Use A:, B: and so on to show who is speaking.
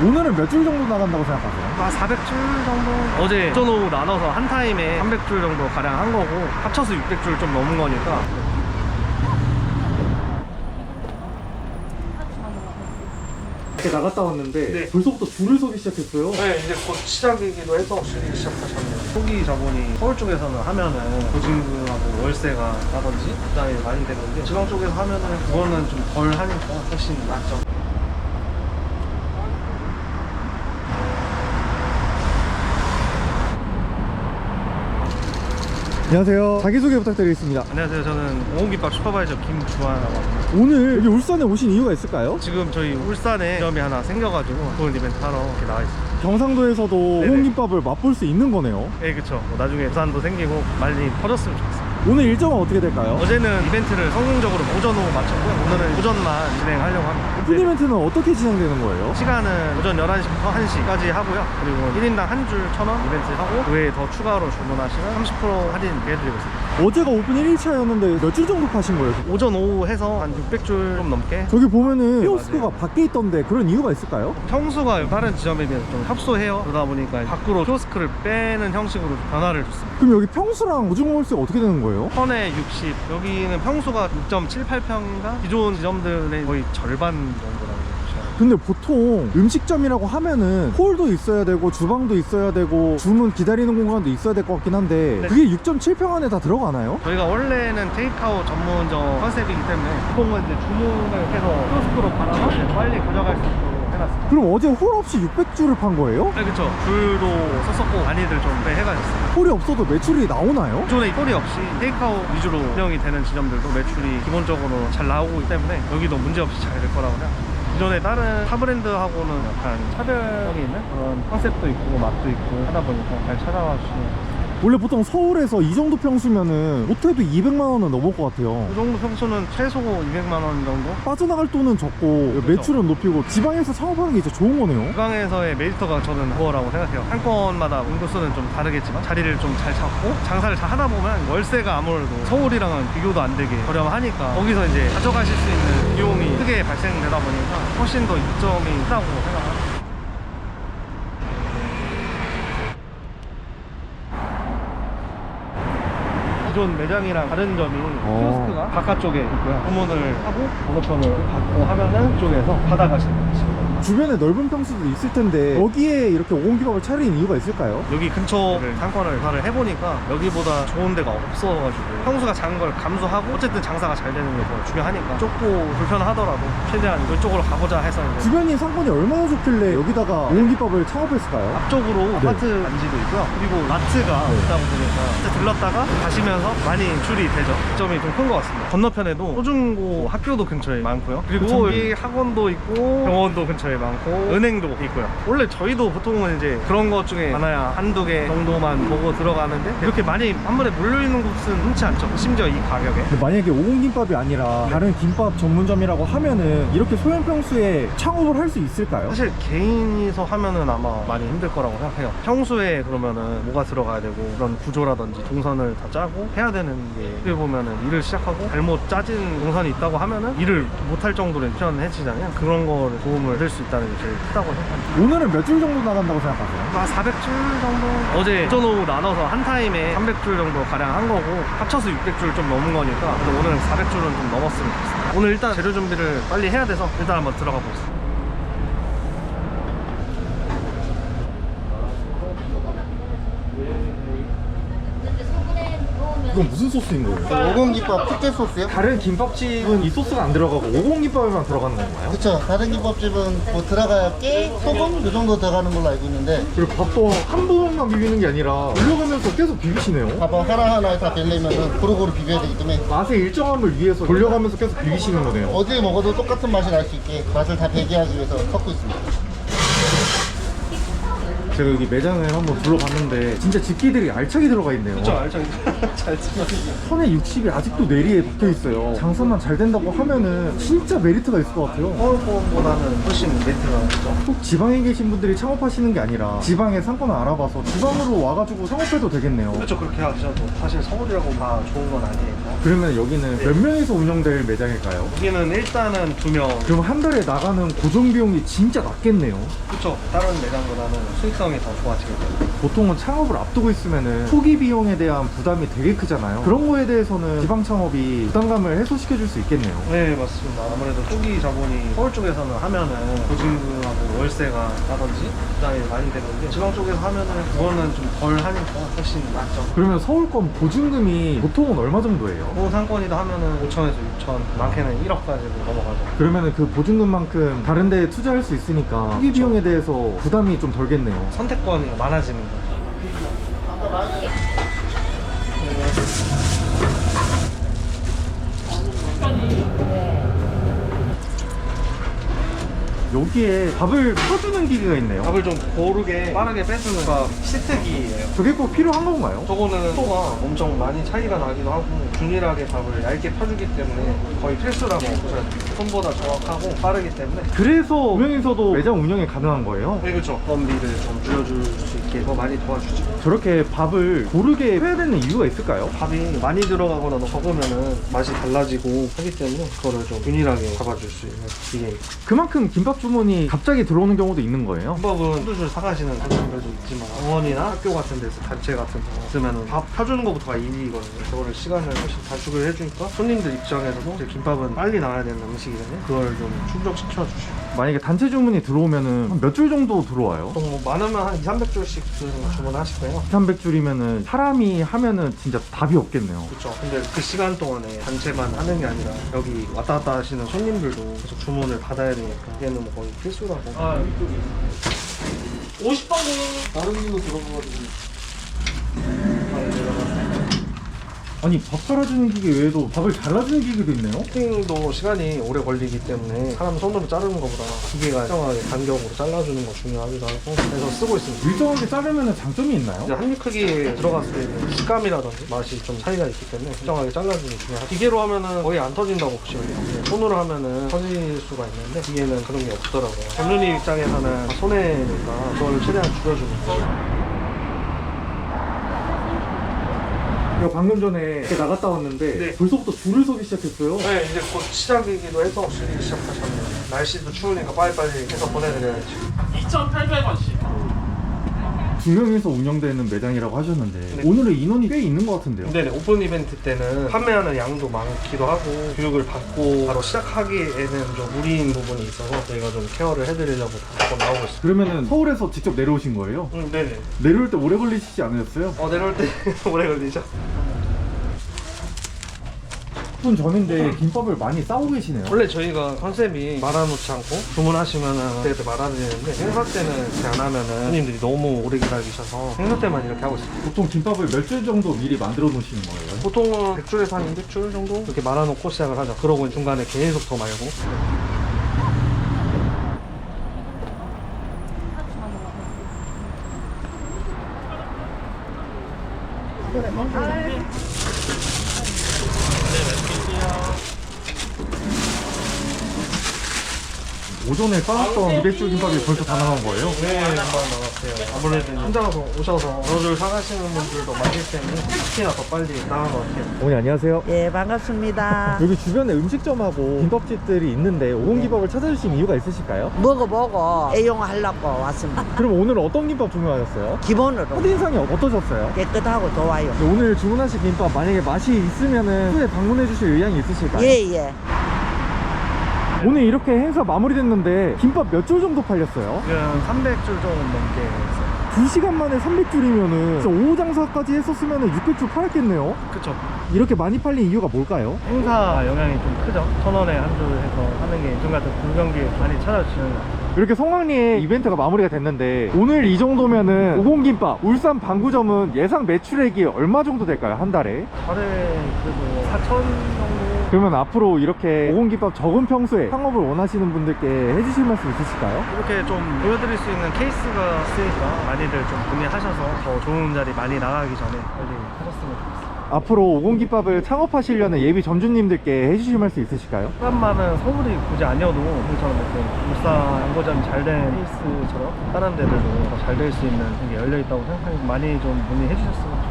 A: 오늘은 몇 줄 정도 나간다고 생각하세요?
B: 400줄 정도? 어제 오전 오후 나눠서 한 타임에 300줄 정도 가량 한 거고 합쳐서 600줄 좀 넘은 거니까.
A: 이렇게 나갔다 왔는데
B: 네.
A: 벌써부터 줄을 서기 시작했어요.
B: 네, 이제 곧 시작이기도 해서 줄이 시작하셨네요. 초기 자본이 서울 쪽에서는 하면은 보증금하고 월세가 나든지 부담이 많이 되는데 지방 쪽에서 하면은 그거는 좀 덜 하니까 훨씬 낫죠.
A: 안녕하세요. 자기소개 부탁드리겠습니다.
B: 안녕하세요. 저는 오홍김밥 슈퍼바이저 김주환이라고 합니다.
A: 오늘 여기 울산에 오신 이유가 있을까요?
B: 지금 저희 울산에 점이 하나 생겨가지고 그런 이벤트 하러 이렇게 나와 있습니다.
A: 경상도에서도
B: 네네.
A: 오홍김밥을 맛볼 수 있는 거네요.
B: 네, 그쵸. 나중에 부산도 생기고 많이 퍼졌으면 좋겠어요.
A: 오늘 일정은 어떻게 될까요?
B: 어제는 이벤트를 성공적으로 오전 오후 마쳤고요. 오늘은 오전만 진행하려고 합니다.
A: 오픈 이벤트는 어떻게 진행되는 거예요?
B: 시간은 오전 11시부터 1시까지 하고요. 그리고 1인당 한 줄 1,000원 이벤트 하고 그 외에 더 추가로 주문하시면 30% 할인 해드리고 있습니다.
A: 어제가 오픈 1일차였는데 몇 줄 정도 파신 거예요?
B: 오전 오후 해서 한 600줄 좀 넘게.
A: 저기 보면은
B: 네,
A: 키오스크가 밖에 있던데 그런 이유가 있을까요?
B: 평수가 다른 지점에 비해서 좀 협소해요. 그러다 보니까 밖으로 키오스크를 빼는 형식으로 변화를 줬습니다.
A: 그럼 여기 평수랑 보증금 월세가 어떻게 되는 거예요?
B: 1000에 60, 여기는 평수가 6.78평인가? 기존 지점들의 거의 절반 정도라고 보시면.
A: 근데 보통 음식점이라고 하면은 홀도 있어야 되고 주방도 있어야 되고 주문 기다리는 공간도 있어야 될 것 같긴 한데
B: 네.
A: 그게 6.7평 안에 다 들어가나요?
B: 저희가 원래는 테이크아웃 전문점 컨셉이기 때문에 보통은 이제 주문을 해서 키오스크로 받아서 이제 빨리 가져갈 수 있도록 해놨습니다.
A: 그럼 어제 홀 없이 600줄을 판 거예요?
B: 네, 그쵸. 줄도 섰었고 많이들 좀 해가셨어요.
A: 홀이 없어도 매출이 나오나요?
B: 기존에 홀이 없이 테이크아웃 위주로 운영이 되는 지점들도 매출이 기본적으로 잘 나오고 있기 때문에 여기도 문제없이 잘 될 거라고 생각합니다. 기존에 다른 타 브랜드하고는 약간 차별성이 있는 그런 컨셉도 있고 맛도 있고 하다 보니까 잘 찾아와 주시면.
A: 원래 보통 서울에서 이 정도 평수면은 못해도 200만 원은 넘을 것 같아요.
B: 그 정도 평수는 최소 200만 원 정도?
A: 빠져나갈 돈은 적고 매출은 높이고 지방에서 창업하는 게 진짜 좋은 거네요.
B: 지방에서의 메리트가 저는 그거라고 생각해요. 상권마다 인구수는 좀 다르겠지만 자리를 좀 잘 잡고 장사를 잘 하다 보면 월세가 아무래도 서울이랑은 비교도 안 되게 저렴하니까 거기서 이제 가져가실 수 있는 비용이 크게 발생되다 보니까 훨씬 더 이점이 크다고 생각합니다. 기존 매장이랑 다른 점이 키오스크가 바깥쪽에 있고요. 주문을 하고 번호편을 받고 하면은 이쪽에서 받아가시는 거죠.
A: 주변에 넓은 평수도 있을 텐데 여기에 이렇게 오공기밥을 차린 이유가 있을까요?
B: 여기 근처를 상권을 조사를 해보니까 여기보다 좋은 데가 없어가지고 평수가 작은 걸 감수하고 어쨌든 장사가 잘 되는 게 더 중요하니까 좁고 불편하더라도 최대한 이쪽으로 가고자 해서 이제
A: 주변이 상권이 얼마나 좋길래 여기다가 오공기밥을 창업했을까요?
B: 앞쪽으로
A: 네.
B: 아파트 단지도 있고요. 그리고 마트가 있다 보니까 진짜 들렀다가 가시면서 많이 줄이 되죠. 점이 좀 큰 것 같습니다. 건너편에도 초중고 학교도 근처에 많고요. 그리고
A: 그쵸.
B: 여기 학원도 있고 병원도 근처에 많고 은행도 있고요. 원래 저희도 보통은 이제 그런 것 중에 하나야 한두 개 정도만 보고 들어가는데 이렇게 많이 한 번에 몰려있는 곳은 흔치 않죠. 심지어 이 가격에.
A: 근데 만약에 오공김밥이 아니라 다른 김밥 전문점이라고 하면은 이렇게 소형 평수에 창업을 할 수 있을까요?
B: 사실 개인이서 하면은 아마 많이 힘들 거라고 생각해요. 평소에 그러면은 뭐가 들어가야 되고 그런 구조라든지 동선을 다 짜고 해야 되는 게 어떻게 보면은 일을 시작하고 잘못 짜진 동선이 있다고 하면은 일을 못할 정도로 편해지잖아요. 그런 거를 도움을 받을 수 있다는 게 제일 크다고 생각합니다.
A: 오늘은 몇 줄 정도 나간다고 생각하세요?
B: 400줄 정도? 어제 오전 오후 나눠서 한 타임에 300줄 정도 가량 한 거고 합쳐서 600줄 좀 넘은 거니까 오늘 400줄은 좀 넘었으면 좋겠습니다. 오늘 일단 재료 준비를 빨리 해야 돼서 일단 한번 들어가 보겠습니다.
A: 이건 무슨 소스인 거예요?
C: 오공김밥 특제 소스요?
A: 다른 김밥집은 이 소스가 안 들어가고 오공김밥에만 들어가는 건가요?
C: 그쵸. 다른 김밥집은 뭐 들어가야 깨, 소금 이 정도 들어가는 걸로 알고 있는데
A: 그리고 밥도 한 번만 비비는 게 아니라 돌려가면서 계속 비비시네요.
C: 밥을 하나하나 다 되려면 고루고루 비벼야 되기 때문에
A: 맛의 일정함을 위해서 돌려가면서 계속 비비시는 거네요.
C: 어딜 먹어도 똑같은 맛이 날 수 있게 맛을 다 배게 하기 위해서 섞고 있습니다.
A: 제가 여기 매장을 한번 둘러봤는데 진짜 집기들이 알차게 들어가 있네요.
B: 그쵸, 알죠. 잘 쓰면.
A: 선에 60이 아직도 내리에 박혀 있어요. 장사만 잘 된다고 하면은 진짜 메리트가 있을 것 같아요.
B: 서울권보다는 훨씬 메리트가 있죠.
A: 꼭 지방에 계신 분들이 창업하시는 게 아니라 지방의 상권을 알아봐서 지방으로 와가지고 창업해도 되겠네요.
B: 그렇죠, 그렇게 하셔도 사실 서울이라고 다 좋은 건 아니에요.
A: 그러면 여기는 몇 명에서 운영될 매장일까요?
B: 여기는 일단은 2명.
A: 그럼 한 달에 나가는 고정 비용이 진짜 낮겠네요.
B: 그쵸, 다른 매장보다는 수익성이 더 좋아지겠죠.
A: 보통은 창업을 앞두고 있으면은 초기 비용에 대한 부담이 되게 크잖아요. 그런 거에 대해서는 지방 창업이 부담감을 해소시켜 줄 수 있겠네요.
B: 네, 맞습니다. 아무래도 초기 자본이 서울 쪽에서는 하면은 보증금하고 월세가 라든지 부담이 많이 되는데 지방 쪽에서 하면은 그거는 좀 덜 하니까 훨씬 낫죠.
A: 그러면 서울권 보증금이 보통은 얼마 정도예요?
B: 상권이다 하면은 5천에서 6천, 많게는 1억까지도 넘어가죠.
A: 그러면은 그 보증금만큼 다른 데에 투자할 수 있으니까 초기 비용에 대해서 부담이 좀 덜겠네요.
B: 선택권이 많아지는 거죠.
A: 여기에 밥을 퍼주는 기계가 있네요.
B: 밥을 좀 고르게 빠르게 빼주는 거 시트기예요.
A: 저게 꼭 필요한 건가요?
B: 저거는 속도가 엄청 많이 차이가 나기도 하고 균일하게 밥을 얇게 펴주기 때문에 거의 필수라고 보셔야 돼요. 손보다 정확하고 빠르기 때문에.
A: 그래서 운영에서도 매장 운영이 가능한 거예요?
B: 네, 그렇죠. 건비를 좀 줄여줄 수 있게 더 많이 도와주죠.
A: 저렇게 밥을 고르게 해야 되는 이유가 있을까요?
B: 밥이 많이 들어가거나 적으면은 맛이 달라지고 하기 때문에 그거를 좀 균일하게 잡아줄 수 있는 기계입니다.
A: 그만큼 김밥 주문이 갑자기 들어오는 경우도 있는 거예요?
B: 김밥은 한두 줄 사가시는 손님들도 있지만 병원이나 학교 같은 데서 단체 같은 거 있으면 밥 펴주는 것부터가 일이거든요. 그거를 시간을 훨씬 단축을 해주니까 손님들 입장에서도 이제 김밥은 빨리 나와야 되는 음식이잖아요. 그걸 좀 충족시켜 주시고.
A: 만약에 단체 주문이 들어오면은 한 몇 줄 정도 들어와요?
B: 보통 뭐 많으면 한 2, 300줄씩 주문하실 거예요.
A: 300줄이면은 사람이 하면은 진짜 답이 없겠네요.
B: 그렇죠. 근데 그 시간 동안에 단체만 하는 게 아니라 여기 왔다 갔다 하시는 손님들도 계속 주문을 받아야 되니까 얘는 뭐 거의 필수라고. 아, 이쪽이 50방울 다른 길로 들어가가지고.
A: 아니 밥 갈아주는 기계 외에도 밥을 잘라주는 기계도 있네요?
B: 커팅도 시간이 오래 걸리기 때문에 사람 손으로 자르는 것보다 기계가 일정하게 간격으로 잘라주는 거 중요하기도 하고 그래서 쓰고 있습니다.
A: 일정하게 자르면 장점이 있나요?
B: 이제 한 입 크기에 들어갔을 때는 식감이라든지 맛이 좀 차이가 있기 때문에 일정하게 잘라주는 게 중요하고 기계로 하면은 거의 안 터진다고 보시면 돼요. 근데 손으로 하면은 터질 수가 있는데 기계는 그런 게 없더라고요. 전문의 입장에서는 손해니까 그걸 최대한 줄여주는 거죠.
A: 제가 방금 전에 이렇게 나갔다 왔는데
B: 네.
A: 벌써부터 줄을 서기 시작했어요.
B: 네, 이제 곧 시작이기도 해서 줄이기 시작하셨네요. 날씨도 추우니까 빨리빨리 해서 보내드려야지.
D: 2,800원씩.
A: 2명에서 운영되는 매장이라고 하셨는데
B: 네.
A: 오늘은 인원이 꽤 있는 것 같은데요?
B: 네네, 오픈 이벤트 때는 판매하는 양도 많기도 하고 교육을 받고 바로 시작하기에는 좀 무리인 부분이 있어서 저희가 좀 케어를 해드리려고 한번 나오고 있습니다.
A: 그러면은 서울에서 직접 내려오신 거예요?
B: 네네.
A: 내려올 때 오래 걸리시지 않으셨어요?
B: 내려올 때 오래 걸리죠?
A: 10분 전인데 김밥을 많이 싸고 계시네요.
B: 원래 저희가 컨셉이 말아놓지 않고 주문하시면은 그때 말아드리는데 행사 때는 이렇게 안 하면은 손님들이 너무 오래 기다리셔서 행사 때만 이렇게 하고 있습니다.
A: 보통 김밥을 몇 줄 정도 미리 만들어 놓으시는 거예요?
B: 보통은 100줄에서 한 200줄 정도 이렇게 말아놓고 시작을 하죠. 그러고 중간에 계속 더 말고.
A: 오전에 싸놨던 200줄 김밥이 벌써 다 나간 거예요?
B: 네, 금방 나갔어요. 아무래도 혼자서 오셔서 여러 줄 사가시는 분들도 많기 때문에 특히나 더 빨리 나간 것 같아요.
A: 어머니 안녕하세요.
E: 예, 반갑습니다.
A: 여기 주변에 음식점하고 김밥집들이 있는데 오공김밥을 찾아주신 이유가 있으실까요?
E: 먹어보고 애용하려고 왔습니다.
A: 그럼 오늘 어떤 김밥 주문하셨어요?
E: 기본으로
A: 첫인상이 어떠셨어요?
E: 깨끗하고 좋아요.
A: 오늘 주문하신 김밥 만약에 맛이 있으면은 후에 방문해 주실 의향이 있으실까요?
E: 예, 예.
A: 오늘 이렇게 행사 마무리됐는데 김밥 몇 줄 정도 팔렸어요?
B: 지금 300줄 정도 넘게 있어요.
A: 2시간 만에 300줄이면은 진짜 오후 장사까지 했었으면은 600줄 팔았겠네요?
B: 그쵸.
A: 이렇게 많이 팔린 이유가 뭘까요?
B: 행사 영향이 좀 크죠. 1,000원에 한 줄 해서 하는 게 요즘 같은 공경기에 많이 찾아주시는 것 같아요.
A: 이렇게 성황리에 이벤트가 마무리가 됐는데 오늘 이 정도면은 오공김밥 울산 방구점은 예상 매출액이 얼마 정도 될까요? 한 달에?
B: 달에 그래도 4천 정도?
A: 그러면 앞으로 이렇게 오공김밥 적은 평소에 창업을 원하시는 분들께 해주실 말씀 있으실까요?
B: 이렇게 좀 보여드릴 수 있는 케이스가 있으니까 많이들 좀 문의하셔서 더 좋은 자리 많이 나가기 전에 빨리 하셨으면 좋겠습니다.
A: 앞으로 오공김밥을 창업하시려는 예비 점주님들께 해주실 말씀 있으실까요?
B: 사람만은 서울이 굳이 아니어도 우리처럼 이렇게 울산 양고점이 잘 된 케이스처럼 다른 데들도 더 잘 될 수 있는 게 열려 있다고 생각하니 많이 좀 문의해 주셨으면